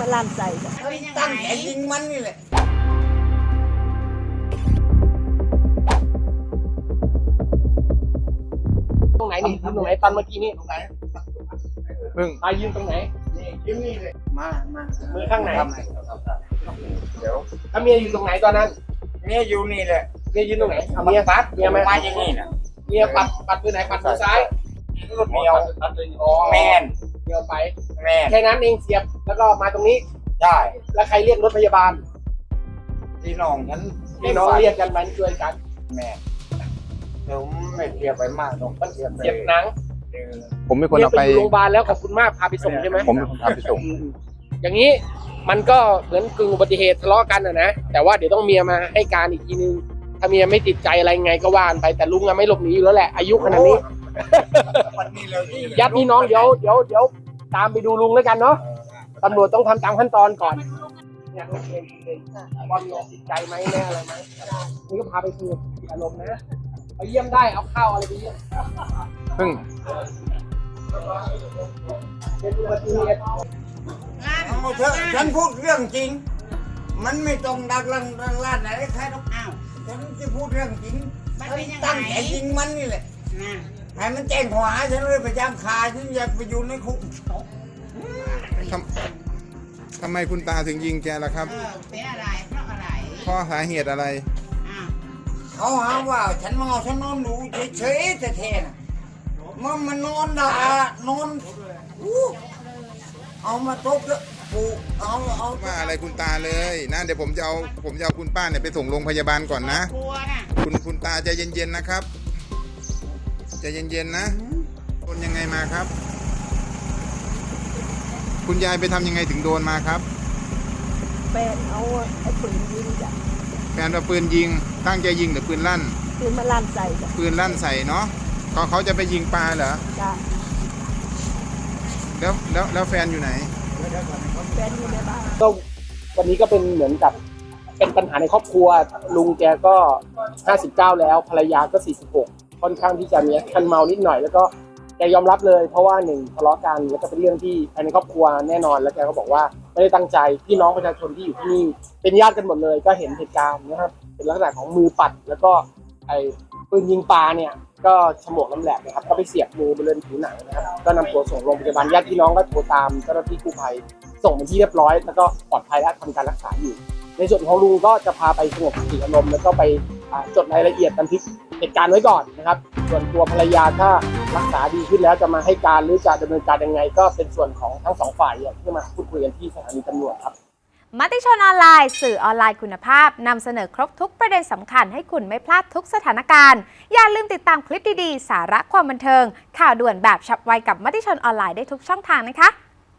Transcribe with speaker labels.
Speaker 1: ลั่นใส่จ้ะ
Speaker 2: ตั้งใจยิงมันนี่แหละ
Speaker 3: ตรงไหนนี่ตรงไหนตอนเมื่อกี้นี่ตรงไหนพึ่งยืนตรงไหนยืนนี่เลย
Speaker 2: มา
Speaker 3: มือข้างไหนเดี๋ยวถ้าเมียอยู่ตรงไหนตอนนั้น
Speaker 2: เมียอยู่นี่แหละ
Speaker 3: เมียยืนตรงไหนเมียปัดเมีย
Speaker 2: มาอย่างนี้นะ
Speaker 3: เมียปัดมือไหนปัดมือซ้าย
Speaker 2: รถเมียวแมน
Speaker 3: เมียวไป
Speaker 2: แมน
Speaker 3: แค่นั้นเองเสียบแล้วก็มาตรงนี้
Speaker 2: ใช่
Speaker 3: แล้วใครเรียกรถพยาบาล
Speaker 2: พี่น้องฉัน
Speaker 3: พี่น้องเรียกกันมันช่วยกัน
Speaker 2: แม่ผมไม่เสียบไปมากหรอกเ
Speaker 3: สียบหนัง
Speaker 4: ผมเป็นคนเอาไป
Speaker 3: โรงพยาบาลแล้วขอบคุณมากพาไปส่งใช่ไหม
Speaker 4: ผมเป็นคนพาไปส่ง
Speaker 3: อย่างนี้มันก็เหมือนกึ่งอุบัติเหตุทะเลาะกันนะแต่ว่าเดี๋ยวต้องเมียมาให้การอีกทีนึงถ้าเมียไม่ติดใจอะไรไงก็ว่านไปแต่ลุงไม่หลบหนีอยู่แล้วแหละอายุขนาดนี้ญาติพี่น้องเดี๋ยวตามไปดูลุงแล้วกันเนาะตำรวจต้องทำตามขั้นตอนก่อนเนี่ยโอเคว่ามีติดใจไหมแน่อะไรไหมนี่ก็พาไปคุยอารมณ์นะไปเยี่ยมได้เอาข้าวอะไรไปเยี่ยม
Speaker 4: พึ่ง
Speaker 3: เป็นอุบัติเหตุ
Speaker 2: ฉันพูดเรื่องจริงมันไม่ต้องดักลั่นไหนใครต้องอ้าวฉันจะพูดเรื่องจริงตั้งใจยิงมันนี่แหละให้มันแจ้งข้อหาฉันเลยไปจ้างคาฉันอยากไปอยู่ในคุก
Speaker 4: ทำไมคุณตาถึงยิงแกล่ะครับ
Speaker 2: เป็นอะไรเพราะอะไร
Speaker 4: เพราะสาเหตุอะไร
Speaker 2: เขาหาว่าฉันเมาฉันนอนดูเฉยๆแต่เทน่ะมันนอนด่านอนเอามาตบแล้วปูเอา
Speaker 4: ว่าอะไรคุณตาเลยนะเดี๋ยวผมจะเอาคุณป้าเนี่ยไปส่งโรงพยาบาลก่อนนะคุณตาใจเย็นๆนะครับใจเย็นๆนะโดนยังไงมาครับคุณยายไปทำยังไงถึงโดนมาครับ
Speaker 1: แฟนเอาไอ้ปืนยิงจ้ะ
Speaker 4: แฟนเอาปืนยิงตั้งใจยิงหรือปืนลั่น
Speaker 1: ปืนมาลั่นใส่จ้ะ
Speaker 4: ปืนลั่นใส่เนาะเขาจะไปยิงปลาเหรอ
Speaker 1: จ้ะ
Speaker 4: แล้วแฟนอยู่ไหน
Speaker 1: แฟนอยู่ในบ้าน
Speaker 3: ก็วันนี้ก็เป็นเหมือนกับเป็นปัญหาในครอบครัวลุงแกก็59แล้วภรรยาก็46ค่อนข้างที่จะมีคันเมานิดหน่อยแล้วก็แกยอมรับเลยเพราะว่าหนึ่งทะเลาะกันแล้วก็เป็นเรื่องที่ภายในครอบครัวแน่นอนแล้วแกก็บอกว่าไม่ได้ตั้งใจพี่น้องประชาชนที่อยู่ที่นี่เป็นญาติกันหมดเลยก็เห็นเหตุการณ์นะครับเป็นลักษณะของมือปัดแล้วก็ไอ้ปืนยิงปลาเนี่ยก็ฉมวกน้ำแหลกนะครับก็ไปเสียบมือบริเวณผิวหนังนะครับก็นำตัวส่งโรงพยาบาลญาติพี่น้องก็โทรตามเจ้าหน้าที่กู้ภัยส่งเป็นที่เรียบร้อยแล้วก็ปลอดภัยและทำการรักษาอยู่ในส่วนของลุงก็จะพาไปสงบสติอารมณ์แล้วก็ไปจดรายละเอียดบันทึกเหตุการณ์ไว้ก่อนนะครับส่วนตัวภรรยาถ้ารักษาดีขึ้นแล้วจะมาให้การหรือจะดำเนินการยังไงก็เป็นส่วนของทั้งสองฝ่ายที่มาพูดคุยกันที่สถานีตำรวจครับ
Speaker 5: มติชนออนไลน์สื่อออนไลน์คุณภาพนำเสนอครบทุกประเด็นสำคัญให้คุณไม่พลาดทุกสถานการณ์อย่าลืมติดตามคลิปดีๆสาระความบันเทิงข่าวด่วนแบบฉับไวกับมติชนออนไลน์ได้ทุกช่องทางนะคะ